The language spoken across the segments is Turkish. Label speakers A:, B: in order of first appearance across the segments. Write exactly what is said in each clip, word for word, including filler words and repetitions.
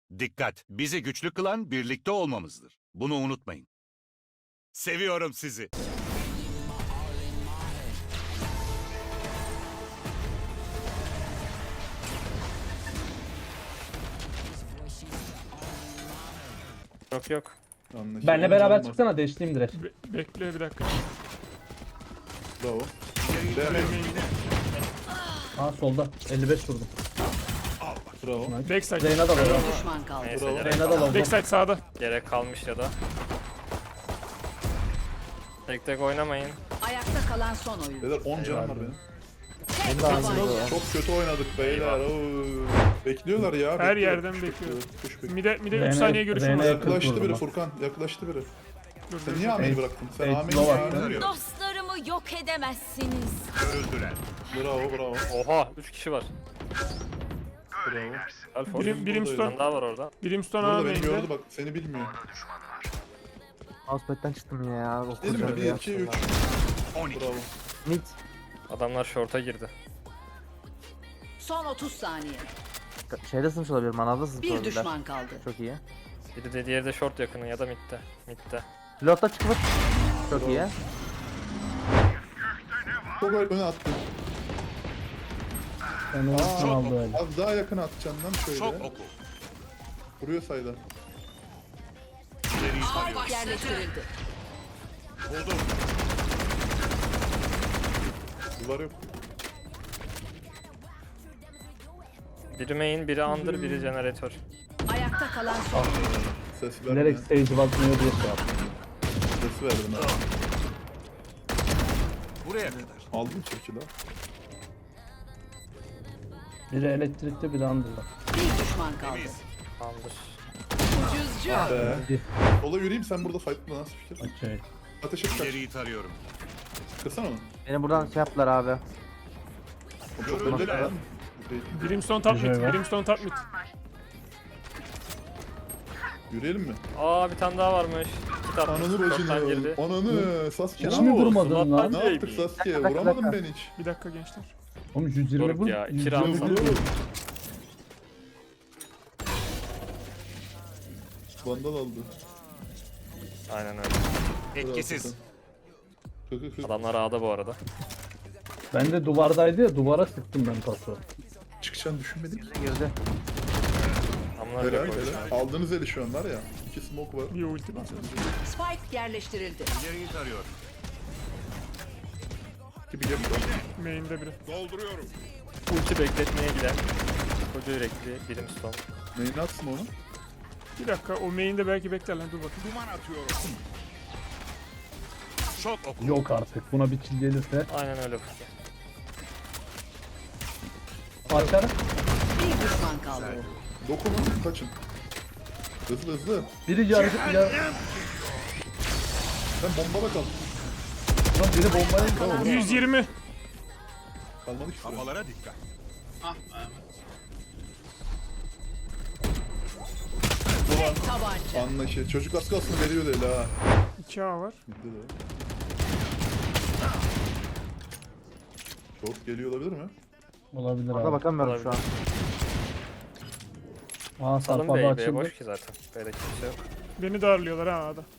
A: Dikkat! Bizi güçlü kılan birlikte olmamızdır. Bunu unutmayın. Seviyorum sizi.
B: Yok yok.
C: Anlaşıldı.
D: Benle beraber
C: Canım var.
D: çıksana, deşleyeyim direkt.
E: Be bekle bir dakika.
C: Bravo. Devam.
D: Ha solda. elli beş vurdum.
C: Bravo.
E: Backside.
D: Reyna da var.
F: Bir düşman kaldı.
B: Neyse
C: Bravo.
B: gerek,
D: Reyna da var.
E: Backside sağda.
B: gerek kalmış ya da. Tek tek oynamayın.
F: Ayakta kalan son oyun.
C: Beyler on canım var benim.
F: Tek tabanca.
C: Çok kötü oynadık beyler. Oo. Bekliyorlar ya.
E: Her
C: bekliyor.
E: yerden
C: Kuş
E: bekliyor.
C: bekliyor, kuş bekliyor.
E: Mide, mide üç
D: Reyna-
E: saniye görüşüm
D: Reyna-
E: var.
C: Yaklaştı
D: vurdum
C: biri
D: bak.
C: Furkan. Yaklaştı biri.
E: Dur,
C: Sen
E: dur,
C: niye
E: dur.
C: ameyi
D: Eight-
C: bıraktın? Sen
D: Eight
C: ameyi
D: low
C: ya.
D: attı.
A: Arıyorum.
F: Dostlarımı yok edemezsiniz.
A: Görüldüler.
C: Bravo bravo.
B: Oha üç kişi var.
C: Bravo.
B: Alfor.
E: Birim,
B: Bir
E: Brimstone.
B: tane daha var orada.
E: Brimstone
C: Burada
E: A
C: beni gördü
E: main'de.
C: bak. Seni bilmiyor.
G: Mousepad'den çıktım ya.
C: Değil mi?
G: Okuyacağım
C: bir
G: ya.
C: iki üç.
A: on iki.
C: Bravo.
G: Mid.
B: Adamlar short'a girdi.
F: Son otuz saniye.
G: Şeyde sınıf olabilir, manavda sınıf
F: Bir
G: olabilir.
F: düşman kaldı.
G: Çok iyi.
B: Biri de diğeri de short yakını ya da midde. Midde.
G: Pilotta çıkıp. Çok iyi.
C: Çok öne attı.
D: Ben onu
C: Aa,
D: aldı öyle.
C: Az daha yakın atacaksın lan şöyle.
A: Şok oku.
C: Vuruyor sayda.
A: İleriyi
F: Spike
A: tarıyorum.
F: yerleştirildi.
A: Buldum.
C: Duvar yok.
B: Biri main, biri under, biri jeneratör.
F: Ayakta kalan son oyun.
C: Ses verme.
D: Bilerek stage bakmıyor diye şey yaptım.
C: Ses verdim ha.
A: Buraya kadar.
C: Aldım çeki daha.
D: Biri elektrikte, biri under'da.
F: Bir düşman kaldı.
A: Temiz.
B: Under.
F: Ucuzcu.
C: Be.
D: Hadi.
C: Sola yürüyeyim sen burada fight'la nasıl fikir?
D: Okey.
C: Ateş et kaç.
A: İleriyi tarıyorum.
C: Kırsana onu.
G: Beni buradan şey yaptılar abi.
C: O çok
A: Görüldüler.
C: önde lan.
E: Brimstone top
D: Güzel
E: mid.
D: var.
E: Brimstone top mid.
C: Yürüyelim mi?
B: Aa bir tane daha varmış. İki
C: Ananı
B: tatlı. Short'tan
C: bacını.
B: girdi.
C: Ananı. Sasuke
D: Hiç
C: ne
D: mi
C: yaptın?
D: durmadın lan?
C: Ne yaptık Sasuke?
G: Dakika, dakika,
C: Vuramadın
G: dakika.
C: beni hiç.
E: Bir dakika gençler.
D: Oğlum yüz yirmi
B: Doruk
D: vur.
B: ya, iki
D: yüz
B: round
D: yirmi
B: sana.
D: vur.
C: Vandal aldı.
B: Aynen öyle.
A: Etkisiz.
C: Kıkı kıkı.
B: Adamlar A'da bu arada.
D: Ben de duvardaydı ya, duvara sıktım ben pası.
C: Çıkacağını düşünmedim ki.
G: Girdi.
B: Adamlar
C: Helal
B: yok oynuyor.
C: helal. Aldığınız eli şu an var ya. İki smoke var.
E: Bir ulti basıyor.
F: Spike yerleştirildi.
A: İleriyi tarıyorum.
C: Gibi gap var.
E: Main'de biri.
A: Dolduruyorum.
B: Ulti bekletmeye giden. Koca yürekli Brimstone.
C: Neyini atsın onu?
E: Bir dakika o main'de belki bekler lan, dur bakayım.
A: Duman atıyorum. Şok oku.
D: Yok artık, buna bir kill gelirse.
B: Aynen öyle Furki.
D: Aşağı.
F: Bir düşman kaldı.
C: Dokunun kaçın. Hızlı hızlı.
D: Biri yarı ya.
C: Sen bombada kal.
D: Lan biri bombayı
E: yüz yirmi.
C: Kalmadı ki süre.
A: Kafalara dikkat.
F: Tek tabanca.
C: Anlaşı. Çocuk az kalsın veriyordu eli ha.
E: iki A var.
C: Gitti de. Çok geliyor olabilir mi?
D: olabilir
G: Orada
D: abi.
G: bakamıyorum şu an.
D: Aa
B: Salın
D: sarpada
B: B'yi, B
D: açıldı.
B: boş ki zaten. B'de kimse yok.
E: Beni darlıyorlar ha A'da.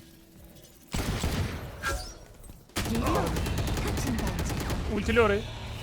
E: Ultili orayı.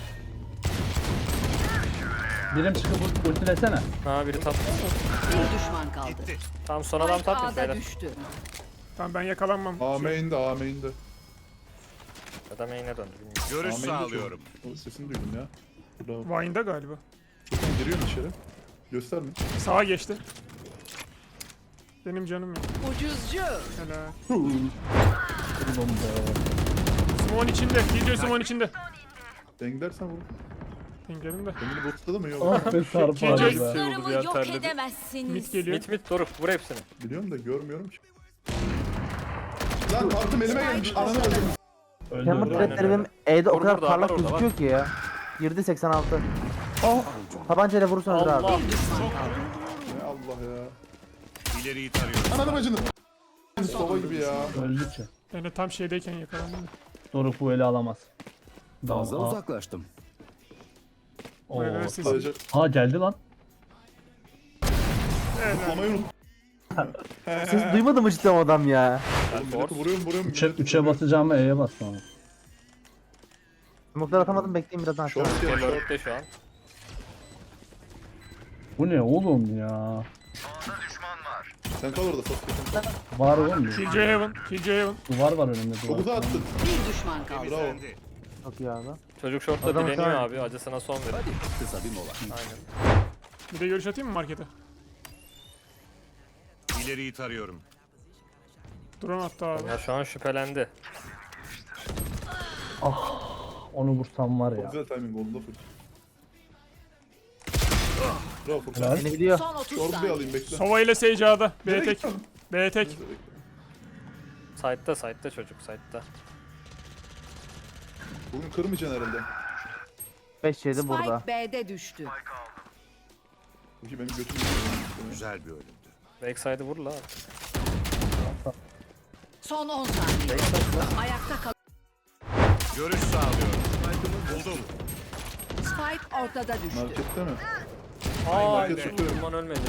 D: Birim çıkıp ult- ultilesene.
B: Ha biri top.
F: Bir düşman kaldı.
A: Gitti.
B: Tamam son adam
F: Spike
B: top mid
F: A'da
B: beyler.
F: düştü.
E: Tamam ben yakalanmam.
C: A main'de A main'de.
B: Ya da main'e döndü bilmiyorum.
A: Görüş
C: A main'de
A: sağlıyorum.
C: çok- O sesini duydum ya. Bravo.
E: Vine'da galiba.
C: Giriyorsun içeri. Gösterme.
E: Sağa geçti. Benim canım yok.
F: Ucuzcu.
E: Helal.
D: Vurdum be.
E: Simon içinde. D J Simon içinde.
C: Denk dersen vur.
E: Dengelim de.
C: Kendini botladı mı? Yok.
D: Ah be sarpa
E: Gece-
D: be.
F: Dostlarımı
B: ya,
F: yok
B: terledim.
F: edemezsiniz.
E: Mid geliyor.
B: Mid mid Doruk vur hepsini.
C: Biliyorum da görmüyorum ki. Lan kartım elime gelmiş. Ananı öldüm.
D: Öldü.
G: Camber
D: öldü.
B: Aynen
G: threadleri
B: öyle.
G: benim E'de o
B: Orada,
G: kadar
B: orada,
G: parlak
B: orada,
G: gözüküyor ki ya. Girdi seksen altı. Oh. Tabancayla vurursanız abi.
B: Allah.
F: Bir düşman kaldı.
C: Ne Allah ya.
A: İleriyi tarıyorum.
C: Ananı bacını. Sova gibi ya.
D: Öldü ki.
E: Ben de tam şeydeyken yakalandım da.
D: Doruk bu eli alamaz.
H: Fazla
D: Aa,
H: uzaklaştım.
D: oo.
E: Buraya sesi.
C: Sadece
D: Ha geldi lan.
C: Zıplamayı unut.
G: Siz duymadın mı cidden o adam ya?
C: Oğlum milleti vuruyorum vuruyorum.
D: Üçe,
C: milleti
D: üçe
C: vuruyorum.
D: basacağıma E'ye bastım ama.
G: Smoke'lar atamadım, bekleyin birazdan aşağı.
C: Short ya short.
B: Dörtte şu an.
D: Bu ne oğlum ya?
C: Sen kal orada Sasuke.
D: Var oğlum bir.
E: Killjoy Heaven. Killjoy Heaven.
D: Duvar var önümde
C: Çok
D: duvar.
C: uzağa attın.
F: Bir düşman kaldı.
C: Bravo.
G: Çok iyi abi.
B: Çocuk şortta
G: Adam
B: dileniyor
G: aşağı-
B: abi. Acısına son verin.
A: Kısa bir mola.
B: Aynen.
E: Bir de görüş atayım mı markete?
A: İleriyi tarıyorum.
E: Drone attı abi.
B: Ya şu an şüphelendi.
D: Onu vursam var ya.
C: Güzel timing oldu da full. Bravo Furkan.
D: Helal.
G: Beni biliyor.
F: Son otuz
C: Short bir
F: saniye.
C: alayım bekle.
E: Sova ile Sage A'da. B
C: Nereye
E: tek.
C: gittin?
E: B tek.
B: Side'da side'da çocuk side'da.
C: Bugün kırmayacaksın herhalde.
G: beş yedi burada.
F: Spike B'de düştü.
C: Çünkü benim götüm
A: Güzel bir ölümdü.
B: Backside'ı vur la.
F: Son on saniye. Ayakta kal.
A: Görüş sağlıyorum. Buldum.
F: Spike ortada düştü.
C: markette mi?
B: Aa,
C: market tutuyorum.
B: Duman ölmedi.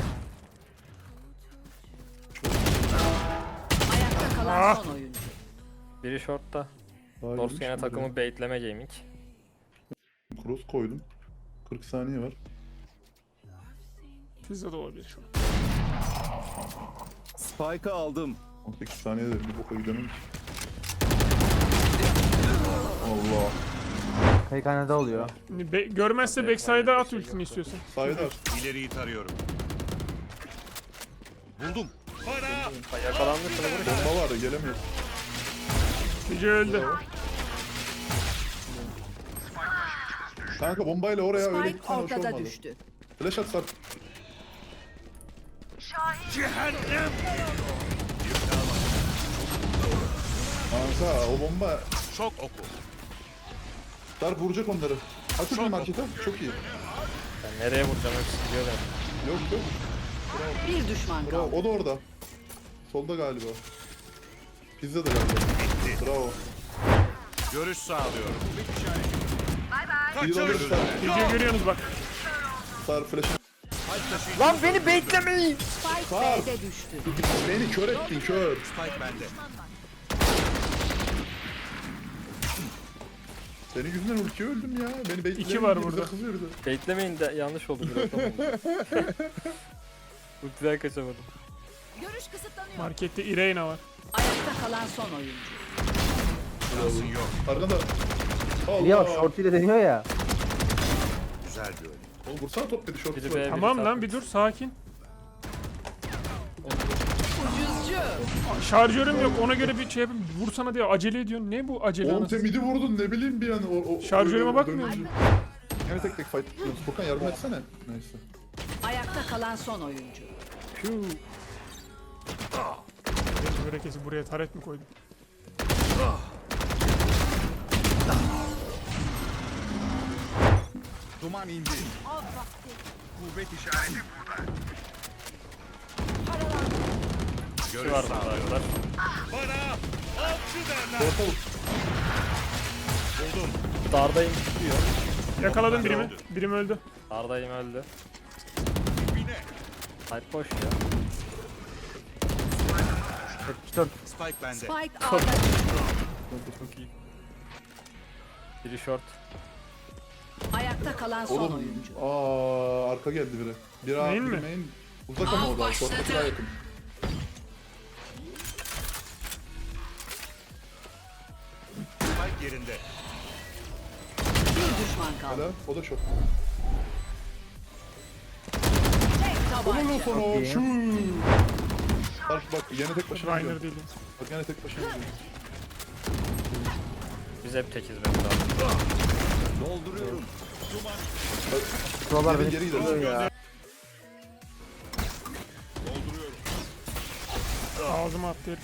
F: Ayakta kalan
E: Ah.
F: son oyuncu.
B: Biri shortta.
C: Daha
B: Dost
C: girmiş
B: yine
C: mi
B: takımı baitleme gaming.
C: buraya? Cross koydum. kırk saniye var.
E: Pizza da olabilir şu an.
A: Spike'ı aldım.
C: on sekiz saniye de bir boka gidemem ki. Allah.
G: Peykanede oluyor.
E: Şimdi be- görmezse backside'a at ultisini istiyorsan.
C: Sayda.
A: İleriyi tarıyorum. Buldum.
B: Ha, yakalandı şunu vur.
C: Bomba var da gelemiyor.
E: Killjoy öldü.
C: Kanka bombayla oraya öyle
F: Spike
C: gitsen hoş
F: ortada
C: olmadı.
F: düştü.
C: Flash at Sarp. Kanka o bomba
A: Çok oku.
C: Sarp vuracak onları. Aç bir markete. Çok iyi.
B: Ben nereye vuracağım hepsi gidiyor ben.
C: Yok yok.
F: Bir düşman
C: Bravo.
F: kaldı.
C: O da orada. Solda galiba. Pizza da galiba. Bravo.
A: Görüş sağlıyorum.
C: İyi de alırız Sarp.
E: Killjoy görüyorsunuz bak.
C: Sarp flash.
B: Lan beni baitlemeyin.
F: Spike B'de düştü.
C: Beni kör ettin kör.
A: Spike bende.
C: Senin yüzünden ülke öldüm ya. Beni bekleyin.
E: İki var burada.
C: Kızıyordu.
B: Baitlemeyin de yanlış oldu biraz. Ultiden kaçamadım.
F: Görüş kısıtlanıyor.
E: Markette Irena var.
F: Ayakta kalan son oyuncu.
A: Şansın yok.
C: Arkanda.
G: Ya
C: Allah.
G: short ile deniyor ya.
A: Güzel bir ölüm.
C: Oğlum vursana top dedi short.
B: Biri
C: var.
B: B, biri
E: Tamam
B: side.
E: lan bir dur sakin.
F: Ucuzcu.
E: Şarjörüm yok ona göre bir şey yapayım. Vursana diye acele ediyorsun. Ne bu acele
C: Oğlum
E: anasını?
C: sen midi vurdun ne bileyim bir an. O, o,
E: Şarjörüme
C: öyle
E: bakmıyor
C: dönünce. Yine tek tek fight tutuyoruz. Furkan yardım etsene. Neyse.
F: Ayakta kalan son oyuncu.
E: Böyle kesin buraya taret mi koydum?
A: Duman indi. Kuvvet işareti burada. Görüş
B: Var
A: sağlıyorum.
B: burada.
C: Orta vur.
A: Buldum.
B: Dardayım tutuyor.
E: Yakaladım birimi. Birim öldü.
B: Dardayım öldü.
A: Dibine.
B: Side boş ya.
G: yetmiş dört.
A: Spike bende.
F: Spike A'da düştü.
B: Çok iyi. Biri short.
F: Ayakta kalan son
C: Oğlum.
F: oyuncu.
C: Aa arka geldi biri. Bir A,
E: Main
C: bir
E: mi?
C: main. Uzak ama o da. Short'taki daha yakın.
A: Spike yerinde.
F: Bir düşman kaldı.
C: Hala. O da short.
F: Tek
C: Onun
F: tabanca.
C: sonu o.
G: iyi.
C: Şu. Sarp bak yine tek başına
E: Reiner
C: gidiyor.
E: değil.
C: Bak yine tek başına gidiyor.
B: Biz hep tekiz be burada.
A: Dolduruyorum.
G: Şuralar
C: Geri
G: beni
C: geri gidelim.
G: tutuyor ya.
A: Dolduruyorum.
E: Ağzıma attı herif.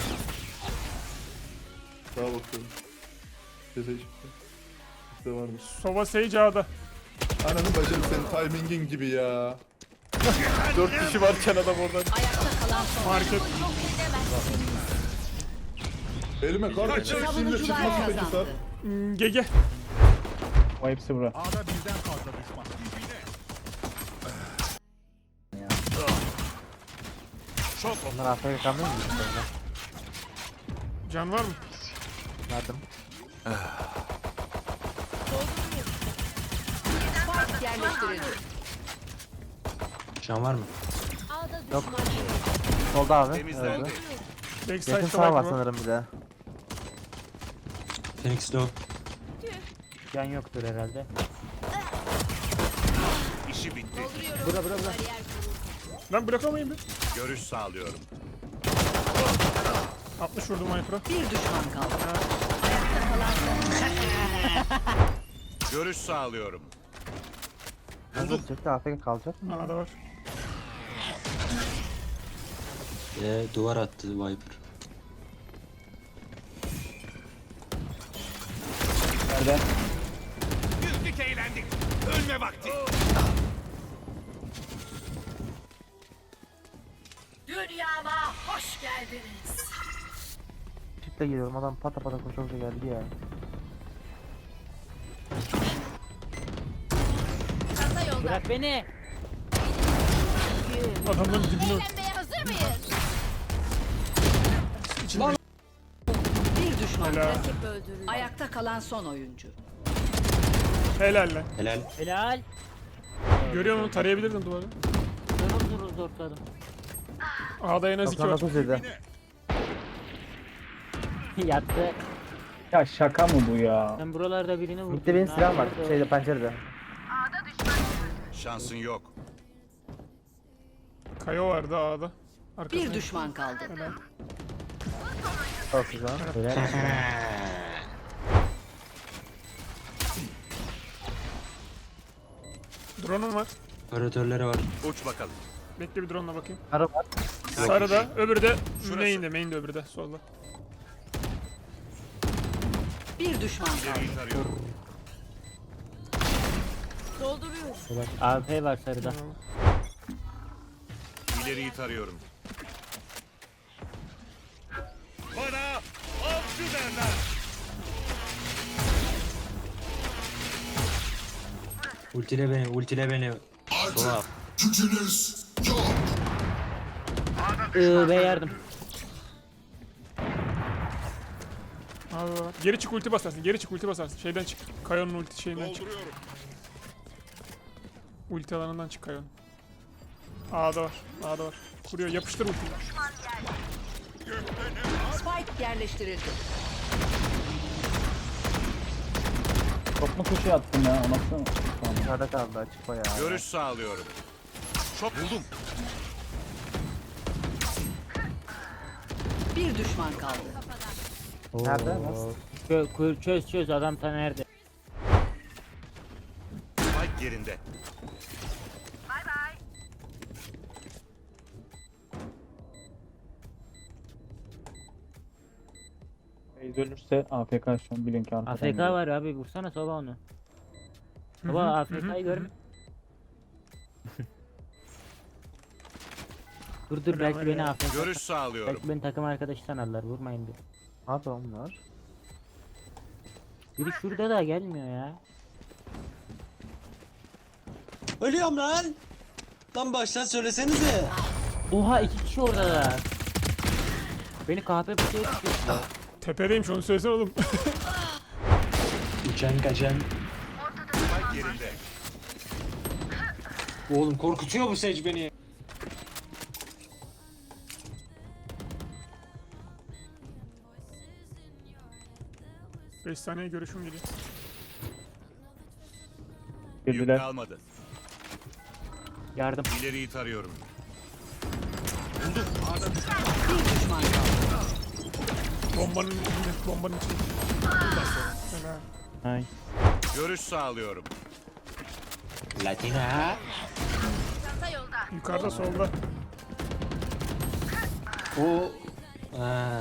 C: Sağa bakıyorum. Ceza çıktı. İşte varmış.
E: Sova Sage A'da.
C: Ananı bacım senin timingin gibi ya.
B: Dört kişi varken adam oradan.
F: Ayakta kalan son oyuncu.
E: Market.
C: Elime kar kaçacak şimdi
F: Savunucular
C: çıkmasın peki Sarp.
F: kazandı.
E: Hmm, Gege.
D: O hepsi bura.
A: A'da birden fazla düşman. Dibine. Çok
G: Bunlar A F K kalmıyor mu?
E: Can var mı?
G: Verdim.
F: Spike yerleştirildi.
H: Can var mı?
G: Yok. Solda abi.
A: temizlendi.
G: Öldü. Yakın
E: Backside'da
G: sağ var
E: var mı?
G: sanırım bir de.
H: Phoenix low.
B: Can yoktur herhalde.
A: İşi bitti.
B: Bura bura bura.
E: Lan bırakamayın bir.
A: Görüş sağlıyorum.
E: altmış vurdum Viper'a.
F: Bir düşman kaldı. Ayakta kalan son.
A: Görüş sağlıyorum.
G: Hızlı çıktı A F K kalacak mı?
E: A'da var.
H: Ee, duvar attı Viper.
D: Nerede?
A: Güldük eğlendik. Ölme vakti.
F: Dünyama hoş geldiniz.
G: Çiftle geliyorum adam pata pata koşa koşa geldi ya.
F: Kasa yolda.
B: Bırak beni.
E: Adamların dibine.
F: Eğlenmeye hazır mıyız?
E: İçinde
F: Bir düşman
E: Helal.
F: rakip öldürüldü. Ayakta kalan son oyuncu.
E: helal lan.
H: Helal.
B: Helal.
E: Görüyor musun? Tarayabilirdin duvarı.
B: Durur durur zorladım.
E: A'da en az iki
G: doksan
E: var.
G: dokuz yedi.
B: Yattı.
D: Ya şaka mı bu ya?
B: Ben buralarda birini vurdum.
G: Mitte benim
B: Ne
G: silahım var.
B: yapıyordu?
G: Şeyde pencerede.
A: Şansın yok.
E: Kayo vardı A'da. Arkasında.
F: Bir düşman kaldı.
E: Helal.
G: Çok güzel.
B: Helal.
E: Drone'um var.
H: Operatörleri var.
A: Uç bakalım.
E: Bekle bir drone'la bakayım.
G: Arı var.
E: Sarıda, öbürü de
A: Şurası.
E: main'de, main'de öbürü de solda.
F: Bir düşman kaldı.
A: İleriyi tarıyorum.
F: Dolduruyor.
B: A P var sarıda.
A: İleriyi tarıyorum. Bana avcı derler.
H: Ultile beni, ultile beni. Sola.
B: Iıı be yardım.
E: Abi var. Geri çık ulti basarsın, geri çık ulti basarsın. Şeyden çık. Kayonun ulti şeyinden çık. Ulti alanından çık Kayon. A'da var, A'da var. Kuruyor, yapıştır ultiyi.
F: Spike yerleştirildi.
D: Çok mu kuşu attım ya? O nasıl? Tamam.
G: Dışarıda kaldı açık bayağı.
A: Görüş sağlıyorum. Çok buldum.
F: Bir düşman kaldı.
G: Nerede?
B: Oo.
G: Nasıl?
B: Çö- kö- çöz çöz adam ta nerede?
A: Spike yerinde.
D: Bey dönürse A F K şu an bilin ki arkadan
B: A F K
D: geliyor.
B: var abi vursana soba onu.
E: Hı
B: Soba
E: hı,
B: A
E: hı
B: F
E: hı,
B: K'yı
E: hı
B: görme. Dur dur belki beni A F K.
A: Görüş sağlıyorum.
B: Belki beni takım arkadaşı sanarlar vurmayın bir.
G: Ne yapıyor bunlar?
B: Biri şurada da gelmiyor ya.
H: Ölüyorum lan. Lan baştan söylesenize.
B: Oha iki kişi orada da. Beni kahpe pusuya tutuyor.
E: Tepedeymiş, onu söylesene oğlum.
H: Uçan kaçan.
A: Spike yerinde.
H: Oğlum korkutuyor bu Sage beni.
E: beş saniye görüşüm geliyor.
A: Yük
D: Girdiler.
A: kalmadı.
B: Yardım.
A: İleriyi tarıyorum.
F: Bir düşman kaldı.
E: Bombanın içinde, bombanın içinde. Helal.
B: Ay.
A: Görüş sağlıyorum.
H: Latina.
E: Yukarıda, solda.
H: O. Ha.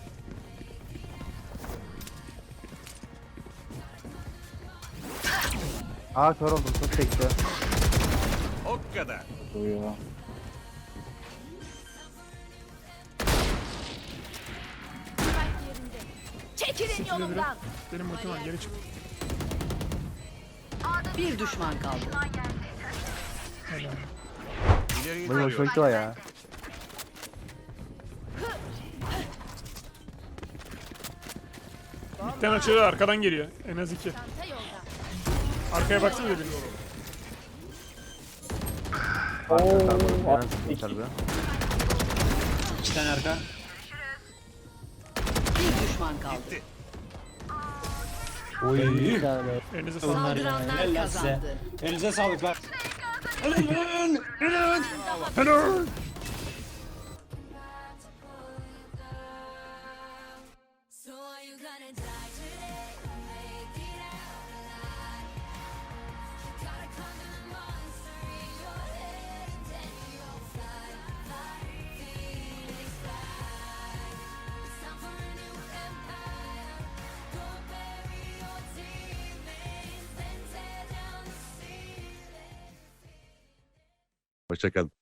G: Aa kör oldum çok çekti.
A: O kadar.
D: Duyuyor.
F: Çekilin yolumdan.
E: Benim ultim var, geri çık.
F: Bir düşman kaldı.
A: İleriyi
G: Böyle hoşuma
A: tarıyorum.
G: gitti o ya.
E: Mid'den açılıyor, arkadan geliyor. En az iki. Arkaya baksana dedim.
G: Yaran sıkmışlar be.
H: İki tane arka.
F: Bir düşman kaldı.
H: Oy.
E: Elinize sağlık.
H: Bunlar ya.
F: Saldıranlar
H: Helal lan size.
F: kazandı.
H: Elinize sağlık lan.
A: Hoşçakalın.